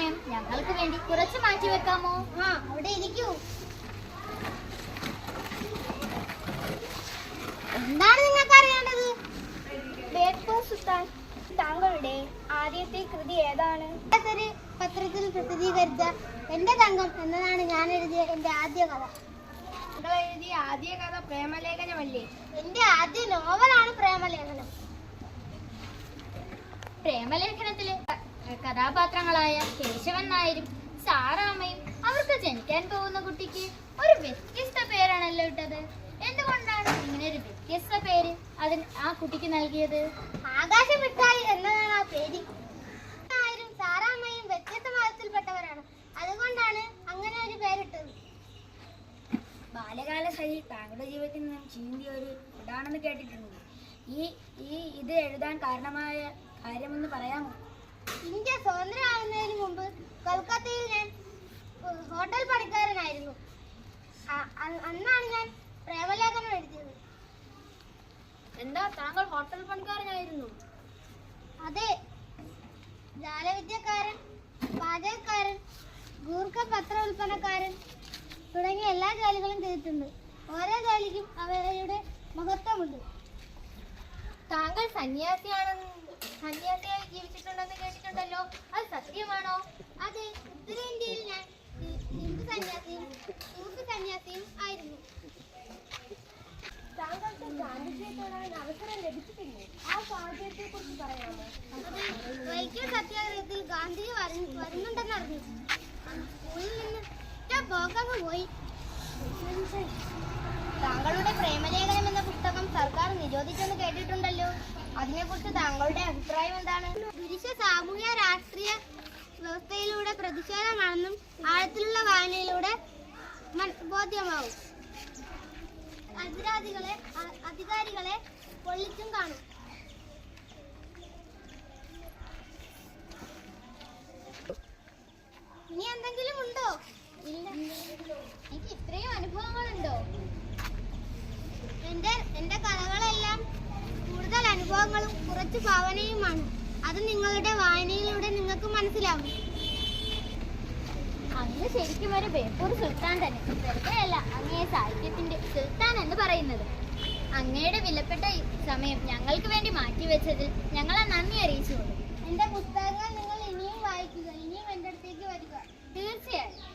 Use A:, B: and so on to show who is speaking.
A: സമയം ഞങ്ങൾക്ക് വേണ്ടി കുറച്ച് മാറ്റി വെക്കാമോ?
B: അവിടെ ഇരിക്കൂ. എന്താണ് നിങ്ങൾക്ക് അറിയേണ്ടത്?
C: ബേപ്പൂർ സുൽത്താൻ, താങ്കളുടെ ആദ്യത്തെ കൃതി ഏതാണ്?
B: പത്രത്തിൽ പ്രസിദ്ധീകരിച്ച എന്റെ തങ്കം എന്നതാണ് ഞാൻ എഴുതിയ എന്റെ ആദ്യ കഥ.
C: താങ്കൾ എഴുതിയ ആദ്യ കഥ പ്രേമലേഖനമല്ലേ?
B: എന്റെ ആദ്യ നോവലാണ് പ്രേമലേഖനം.
A: പ്രേമലേഖനത്തിലെ കഥാപാത്രങ്ങളായ കേശവൻ നായരും സാറാമ്മയും അവർക്ക് ജനിക്കാൻ പോകുന്ന കുട്ടിക്ക് ഒരു വ്യത്യസ്ത പേരാണല്ലോ ഇട്ടത്. എന്തുകൊണ്ടാണ് ഇങ്ങനെ ഒരു വ്യത്യസ്ത പേര് ആ കുട്ടിക്ക് നൽകിയത്?
B: ആകാശമിട്ടായി എന്നതാണ് ആ പേര്. നായരും സാറാമ്മയും വ്യത്യസ്ത മതത്തിൽപ്പെട്ടവരാണ്. അതുകൊണ്ടാണ് അങ്ങനെ ഒരു പേരിട്ടത്.
C: ബാല്യകാല സഖി താങ്കളുടെ ജീവിതത്തിൽ നിന്നും ചീന്തിയ ഒരു ഇതാണെന്ന് കേട്ടിട്ടുണ്ട്. ഇത് എഴുതാൻ കാരണമായ കാര്യമെന്ന് പറയാമോ?
B: ഇന്ത്യ സ്വതന്ത്രമാകുന്നതിന് മുമ്പ് കൊൽക്കത്തയിൽ ഞാൻ ഹോട്ടൽ പണിക്കാരനായിരുന്നു. അന്നാണ് ഞാൻ പ്രേമലേഖനം എഴുതിയത്.
C: എന്താ താങ്കൾ ഹോട്ടൽ പണിക്കാരനായിരുന്നു?
B: അതെ, ജാലവിദ്യക്കാരൻ, പാചകക്കാരൻ, ഗൂർഖ പത്ര ഉൽപ്പന്നക്കാരൻ തുടങ്ങിയ എല്ലാ ജോലികളും ചെയ്തിട്ടുണ്ട്. ഓരോ ജോലിക്കും അവരുടെ മഹത്വമുണ്ട്.
A: താങ്കൾ സന്യാസിയായി ജീവിച്ചിട്ടുണ്ടെന്ന് കേട്ടിട്ടുണ്ടല്ലോ, അത് സത്യമാണോ?
B: അതെ, ഉത്തരേന്ത്യയിൽ ഞാൻ ഹിന്ദു സന്യാസിയും ആയിരുന്നു.
C: താങ്കൾക്ക് ഗാന്ധിജിയെ കാണാൻ അവസരം ലഭിച്ചിട്ടില്ലേ? ആ സാഹചര്യത്തെ കുറിച്ച് പറയാമോ?
B: വൈക്കം സത്യാഗ്രഹത്തിൽ ഗാന്ധിജി വരുന്നുണ്ടെന്ന് അറിഞ്ഞു. സ്കൂളിൽ നിന്ന് പോക്കങ്ങ് പോയി.
C: താങ്കളുടെ പ്രേമലേഖനം എന്ന പുസ്തകം സർക്കാർ നിരോധിച്ചെന്ന് കേട്ടിട്ടുണ്ടല്ലോ, അതിനെക്കുറിച്ച് താങ്കളുടെ അഭിപ്രായം എന്താണ്?
B: പുരുഷ സാമൂഹ്യ രാഷ്ട്രീയ വ്യവസ്ഥയിലൂടെ പ്രതിഷേധമാണെന്നും ആഴത്തിലുള്ള വായനയിലൂടെ ബോധ്യമാവും. അധികാരികളെ പൊള്ളിച്ചും കാണും. ഇനി എന്തെങ്കിലും ഉണ്ടോ?
A: ഇല്ല. എനിക്ക് ഇത്രയും അനുഭവങ്ങളുണ്ടോ?
B: എന്റെ കഥകളെല്ലാം കൂടുതൽ അനുഭവങ്ങളും കുറച്ച് ഭാവനയുമാണ്. അത് നിങ്ങളുടെ വായനയിലൂടെ നിങ്ങൾക്ക് മനസ്സിലാവും.
A: അങ്ങ് ശരിക്കും ഒരു ബേപ്പൂർ സുൽത്താൻ തന്നെ. വെറുതെയല്ല അങ്ങയെ സാഹിത്യത്തിന്റെ സുൽത്താൻ എന്ന് പറയുന്നത്. അങ്ങയുടെ വിലപ്പെട്ട സമയം ഞങ്ങൾക്ക് വേണ്ടി മാറ്റിവെച്ചതിൽ ഞങ്ങളെ നന്ദി അറിയിച്ചുകൊള്ളു.
B: എന്റെ പുസ്തകങ്ങൾ നിങ്ങൾ ഇനിയും വായിക്കുക, ഇനിയും എന്റെ അടുത്തേക്ക് വരിക.
A: തീർച്ചയായും.